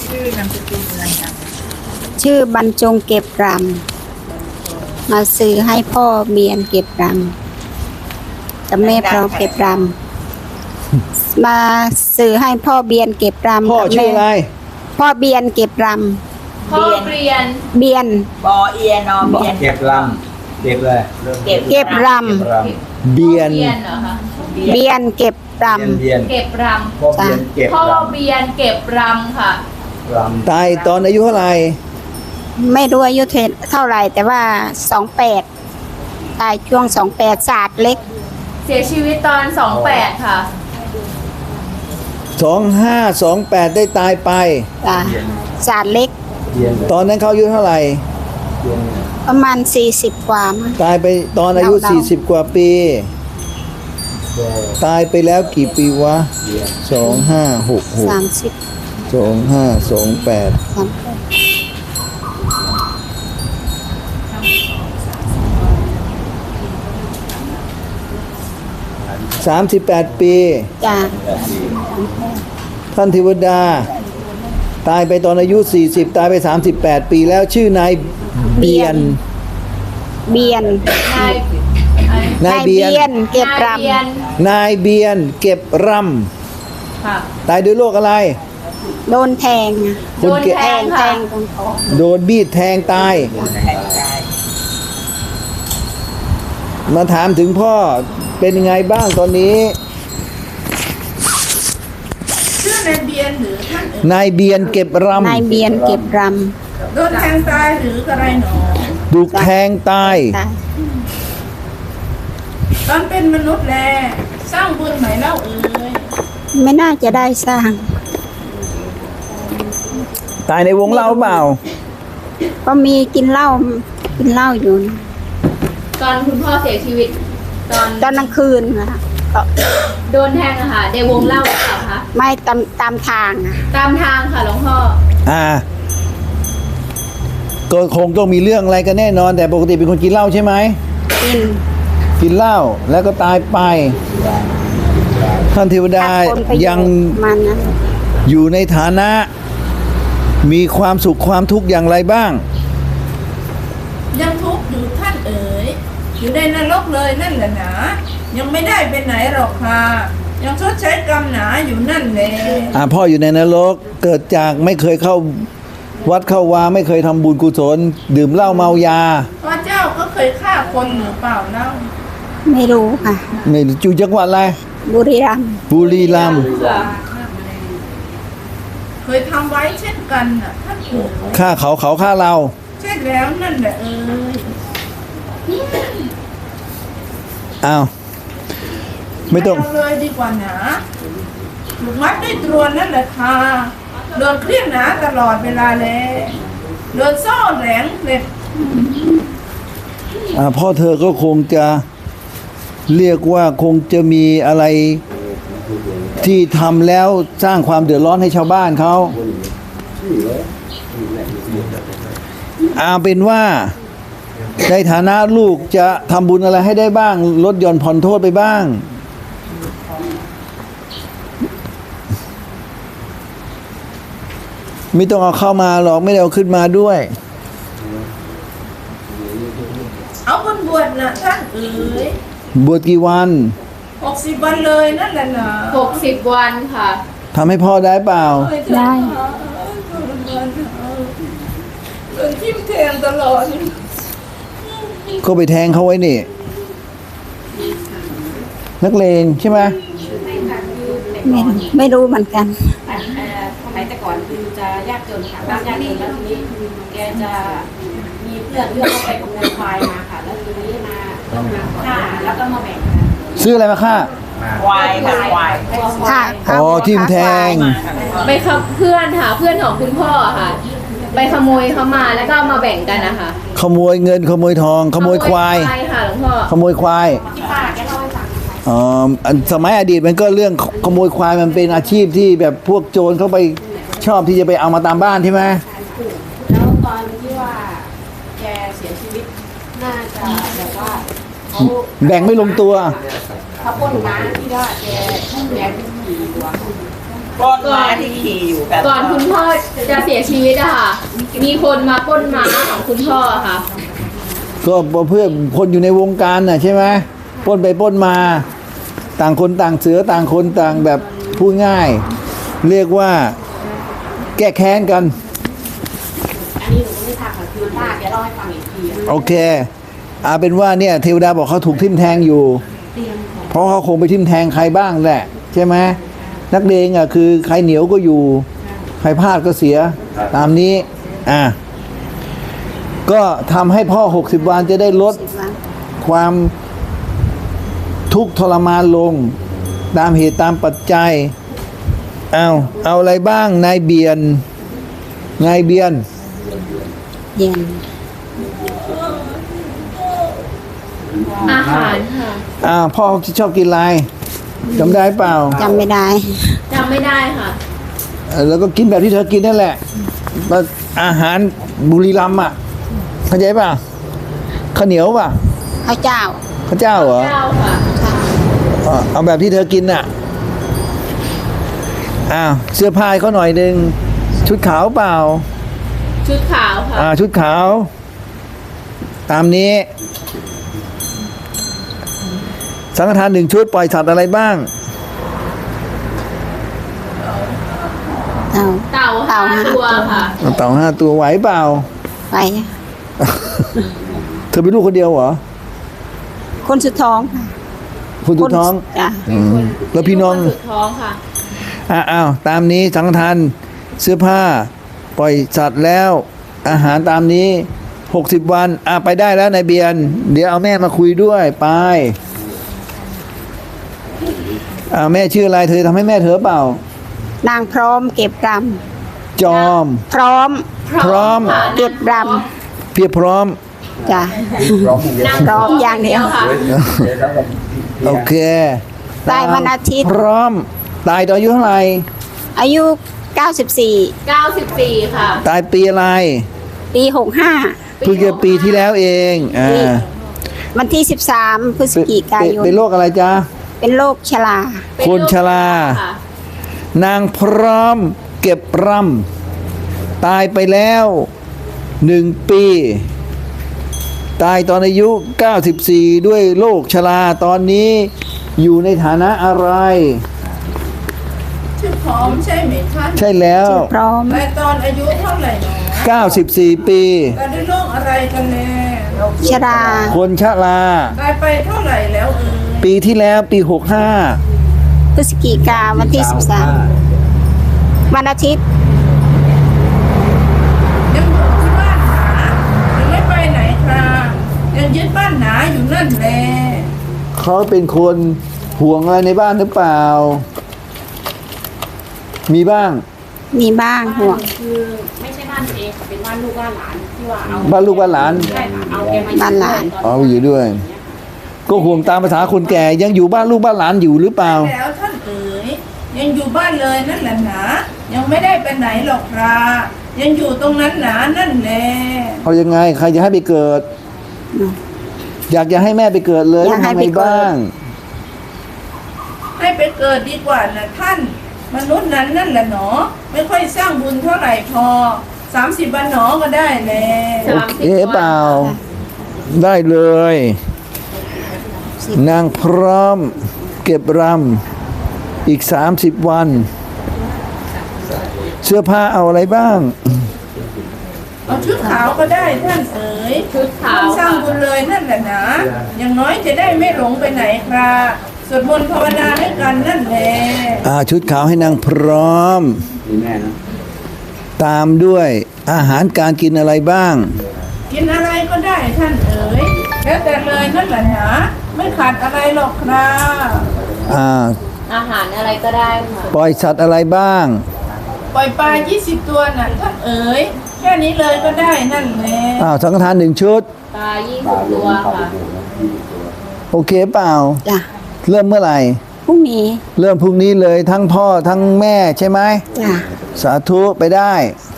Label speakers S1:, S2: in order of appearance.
S1: ชื่อนามสกุลอะไรนะ
S2: ชื่อบรรจงเก็บรำมาซื้อให้พ่อเบียนเก็บรำกับแม่พร้อมเก็บรำมาซื้อให้พ่อเบียนเก็บรำ
S3: พ่อ
S2: กับ
S3: ชื่อ
S2: แม่
S3: อะไร
S2: พ่อเบียนเก็บร
S1: พ่อเรียน
S2: ำเบียน
S1: บอเอียนอเบียน
S4: เก็บลำเก็บเลย
S2: เก็บร
S3: เบียน
S5: เบียนเหรอคะ
S2: ำเบียนเก็บร
S4: เบียน
S5: เก็บร
S4: พ่อเบียนเก็บ
S5: ำพ่อ
S4: ลำ
S5: เบียนเก็บรำค่ะ
S4: ล
S3: ตายตอนอายุเท่าไหร่
S2: ำไม่รู้อายุเท่าไหร่แต่ว่า28ตายช่วง28ศาสตร์เล็ก
S5: เสียชีวิตตอน28ค่ะ
S3: 2528ได้ตายไป
S2: จ้ะศาสตร์เล็ก
S4: ำเบียน
S3: ตอนนั้นเขาอายุเท่าไหร่
S4: เบียน
S2: ประมาณ40กว่ามั้ง
S3: ตายไปตอนอายุ
S2: เดาๆ
S3: 40 กว่าปี
S4: โด
S3: ตายไปแล้วกี่ปีวะ
S4: เบียน
S3: 2566 2528
S2: 30
S3: 38 ปี
S2: จ้ะ
S3: ท่านเทวดา ตายไปตอนอายุ 40 ตายไป 38 ปีแล้วชื่อนายเบียน
S2: เบียน
S5: นาย
S3: นายเบียน
S2: เก็บร
S5: นายเบียน
S3: นายเบียนเก็บร
S5: ค่ะ
S3: ำตายด้วยโรคอะไร
S2: ำโดนแทงอะ
S5: โดนแทง
S2: แท
S5: ค่ะ
S2: งตรงคอ
S3: โดนบีดแทงตาย มาถามถึงพ่อเป็นยังไงบ้างตอนนี้
S1: ชื่อนายเบียนหรือท่านเอ๋ย
S3: นายเบียนเก็บร
S2: นายเบียนเก็บร
S1: โดนแทงตายหรืออะไรหนอ
S3: ำถูกแทงตาย
S2: ำตาย
S1: ตอนเป็นมนุษย์แลสร้างบุญไหมเล่าเอ๋ย
S2: ไม่น่าจะได้สร้าง
S3: ตายในวงเล่าเปล่า
S2: ก็มีกินเหล้าอยู่นะ
S5: ตอนคุณพ่อเสียชีวิต ตอน
S2: ตอนกลางคืนค่ะก็
S5: โดนแทงอะค่ะในวงเล่าหรือเปล่าคะ
S2: ไม่ตามทางอะ
S5: ตามทางค่ะหลวงพ่อ
S3: ก็คงต้องมีเรื่องอะไรกันแน่นอน แต่ปกติเป็นคนกินเหล้าใช่ไหม
S2: กิน
S3: กินเหล้าแล้วก็ตายไป ท่านเทวดา
S2: ผลประโชน์
S3: ยัง
S2: มันนั้น
S3: อยู่ในฐานะ มีความสุขความทุกข์อย่างไรบ้าง
S1: ยังทุกข์อยู่ท่านเอ๋ยอยู่ในนรกเลยนั่นแหละหนายังไม่ได้ไปไหนหรอกค่ะยังชดใช้กรรมหนาอยู่นั่นแหละ
S3: พ่ออยู่ในนรกเกิดจากไม่เคยเข้าวัดเข้าวาไม่เคยทำบุญกุศล ดื่มเหล้าเมายา
S1: พระเจ้าก็เคยฆ่าคนหรือเปล่าเล่า
S2: ไม่รู้ค่ะ
S3: ไม่อยู่จังหวัดอะไร
S2: บุรีรัมย์
S3: บุรีรัมย์
S1: เคยทำไว้เช่นกันน่ะท่านเอ๋ย
S3: ฆ่าเขาเขาฆ่าเรา
S1: ใช่แล้วนั่นแหละเอ๋ย
S3: อ้าวไม่ต้อง
S1: เอาเลยดีกว่าหนาถูกมัดด้วยตรวนนั่นแหละค่ะโดนเครียดหนาตลอดเวลาเลยโดนซ่อแหลงเหล็ก
S3: พ่อเธอก็คงจะเรียกว่าคงจะมีอะไรที่ทำแล้วสร้างความเดือดร้อนให้ชาวบ้านเขาเป็นว่าในฐานะลูกจะทำบุญอะไรให้ได้บ้าง ลดหย่อนผ่อนโทษไปบ้าง ไม่ต้องเอาเข้ามาหรอกไม่ได้เอาขึ้นมาด้วย
S1: เอาคนบวชนะท่านเอ๋ย
S3: บวชกี่วัน
S1: 60 วันเลยนั่นแหละนะ
S5: 60 วันค่ะ
S3: ทำให้พ่อได้เปล่า
S2: ได้
S1: โดนทิ่มแทงตลอด
S3: ก็ไปแทงเขาไว้นี่ นักเลงใช่ไหม
S2: ไม่รู้เหมือนกัน
S6: สมัยแต่ก่อนคือจะยากจนค่ะบ้านยากจนแล้วทีนี้แกจะมีเพื่อนเลือกเข้าไปขโมยควายมาค่ะ แล้วทีนี้มาฆ่าแล้วก็มาแบ่งกัน
S3: ซื้ออะไรมาฆ่า
S1: ควายค่ะควาย
S2: ค่ะ
S3: อ๋อทิ่มแทง
S5: ไปขับเพื่อนค่ะ เพื่อนของคุณพ่อค่ะ ไปขโมยเขามาแล้วก็เอามาแบ่งกันนะคะ
S3: ขโมยเงินขโมยทอง ขโมยควาย
S5: ค่ะหลวงพ่อ
S3: ขโมยควาย
S6: ที่ป้าแกเล่าให้ฟัง
S3: สมัยอดีตมันก็เรื่องขโมยควายมันเป็นอาชีพที่แบบพวกโจรเขาไปชอบที่จะไปเอามาตามบ้านใช่ไหม
S6: แล้วตอนที่ว่าแกเสียชีวิตน่าจะแบบว่าเขา
S3: แบ่งไม่ลงตัว
S6: เขาปล้นม้าที่ว่าแกขี่ตัว
S7: ปล้นม้าที่ขี่อยู่กัน
S5: ก่อนคุณพ่อจะเสียชีวิตอะค่ะ มีคนมาปล้นม้าของคุณพ่อค่ะ
S3: ก็เพื่อคนอยู่ในวงการน่ะใช่ไหมปล้นไปปล้นมา ต่างคนต่างเสือต่างคนต่างแบบพูดง่าย เรียกว่าแก้แค้นกัน
S6: อันนี้หนูไม่ทราบค่ะคือป้าแกเล่าให้ฟังอีกทีอะ
S3: โอเคเอาเป็นว่าเนี่ยเทวดาบอกเขาถูกทิ่มแทงอยู่ เพราะเขาคงไปทิ่มแทงใครบ้างแหละใช่ไหมนักเลงอ่ะคือใครเหนียวก็อยู่ ใครพลาดก็เสียตามนี้ก็ทำให้พ่อ60 วันจะได้ลด
S2: 10 วัน
S3: ความทุกข์ทรมานลง ตามเหตุตามปัจจัยเอาอะไรบ้างนายเบียน
S2: เย็น
S5: อาหารค่ะ
S3: พ่อชอบกินอะไรจำได้เปล่า
S2: จำไม่ได้
S5: จำไม่ได้ค่ะ
S3: แล้วก็กินแบบที่เธอกินนั่นแหละอาหารบุรีรัมย์อ่ะเข้าใจป่ะข้าวเหนียวป่ะ
S2: ข้าวเจ้า
S3: ข้าวเจ้าเหรอ
S5: เจ้าค่ะ
S3: เอาแบบที่เธอกินน่ะเสื้อผ้าให้เขาหน่อยหนึ่งชุดขาวเปล่า
S5: ชุดขาวค่ะ
S3: ชุดขาว ตามนี้ สังฆทาน1 ชุดปล่อยสัตว์อะไรบ้าง
S2: เต่า
S5: เต่า
S2: เต่า
S5: ห้า
S2: ห้า
S5: ตัวค่ะ
S3: เต่า5 ตัวไหวเปล่า
S2: ไป
S3: เธอเป็นลูกคนเดียวเหรอ
S2: คนสุดท้องค่ะ
S3: คุณสุดท้อง
S2: จ้ะ
S3: แล้วพี่น้อง
S5: สุดท้องค่ะ
S3: ตามนี้สังฆทานเสื้อผ้า ปล่อยสัตว์แล้ว อาหารตามนี้60 วันไปได้แล้วนายเบียน เดี๋ยวเอาแม่มาคุยด้วยไปแม่ชื่ออะไรเธอทำให้แม่เธอเปล่า
S2: นางพร้อมเก็บร
S3: จอม
S2: ำพร้อม
S3: พร้อม
S5: ค่ะ
S2: เก็บร
S3: เพียบพร้อม
S2: ำจ้ะ
S4: ร้องอย่างเดียว
S2: พร้อมอย่างเดียว
S5: ค่ะ
S3: โอเค
S2: ตายวันอาทิตย์
S3: พร้อม ตายตอนอายุเท่าไหร่
S2: อายุ 94
S5: 94 ค่ะ
S3: ตายปีอะไร
S2: ปี 65
S3: เพิ่งจะปีที่แล้วเอง
S2: วันที่ 13 พฤศจิกายน
S3: เป็นโรคอะไรจ๊ะ
S2: เป็นโรคชรา
S3: คนชรา
S5: ค่ะ
S3: นางพร้อมเก็บรำตายไปแล้ว1 ปี ตายตอนอายุ 94 ด้วยโรคชราตอนนี้อยู่ในฐานะอะไร
S1: ชื่อพร้อมใช่ไหมท่าน
S3: ใช่แล้ว
S2: พร้อม
S1: และตอนอายุเท่าไหร่หนอ
S3: 94 ปี
S1: ตายด้วยโรคอะไรกันแน่
S2: ชรา
S3: คนชรา
S1: ตายไปเท่าไหร่แล้ว
S3: ปีที่แล้วปี
S2: พฤศจิกาวันที่ 13 วันอาทิตย์
S1: ยังอยู่ที่บ้านหนายังไม่ไปไหนครับยังยึดบ้านหนาอยู่นั่นแหละ
S3: 65 เขาเป็นคนห่วงอะไรในบ้านหรือเปล่า มีบ้าง
S2: มีบ้างห่วง
S6: คือไม่ใช่บ้านตัวเองค่ะเป็นบ้านลูกบ้านหลานที่ว่าเอา
S3: บ้านลูกบ้านหลาน
S6: ใช่ค่ะเอาแกมา
S2: บ้านหลาน
S3: เอาอยู่ด้วย ก็ห่วงตามภาษาคนแก่ยังอยู่บ้านลูกบ้านหลานอยู่หรือเปล่า
S1: แล้วท่านเอ๋ยยังอยู่บ้านเลยนั่นแหละหนายังไม่ได้ไปไหนหรอกครับยังอยู่ตรงนั้นหนานั่นแหละ
S3: เอายังไงใครจะให้ไปเกิด อยากจะให้แม่ไปเกิดเลย
S2: อยากให้
S3: ทำ
S2: ไป
S3: ไง
S2: เกิด
S3: บ้าง
S1: ให้ไปเกิดดีกว่านะท่านมนุษย์นั้นนั่นแหละหนอไม่ค่อยสร้างบุญเท่าไหร่พอ30 วันหนอก็ได้แล
S3: โอเคเปล่า ได้เลย นางพร้อมเก็บรำอีก30 วัน เสื้อผ้าเอาอะไรบ้าง
S1: เอาชุดขาวก็ได้ท่านเอ๋ย
S5: ชุดขาว
S1: สร้างบุญเลยนั่นแหละนะอย่างน้อยจะได้ไม่หลงไปไหนครับสวดมนต์ภาวนาให้กันนั่นแหละ
S3: ชุดขาวให้นางพร้อม
S4: มีแม่นะ
S3: ตามด้วยอาหารการกินอะไรบ้าง
S1: กินอะไรก็ได้ท่านเอ๋ยแล้วแต่เลยนั่นแหละนะไม่ขาดอะไรหรอกครับ
S5: อาหารอะไรก็ได้ค่ะ
S3: ปล่อยสัตว์อะไรบ้าง
S1: ปล่อยปลา20 ตัวน่ะท่านเอ๋ยแค่นี้เลยก็ได้นั่นแหละ
S3: สังฆทาน1 ชุด
S5: ปลา20 ตัวค่ะ
S3: โอเคเปล่า
S2: จ้ะ
S3: เริ่มเมื่อไหร่
S2: พรุ่งนี้
S3: เริ่มพรุ่งนี้เลยทั้งพ่อทั้งแม่ใช่ไหม
S2: จ้ะ
S3: สาธุไปได้
S2: ส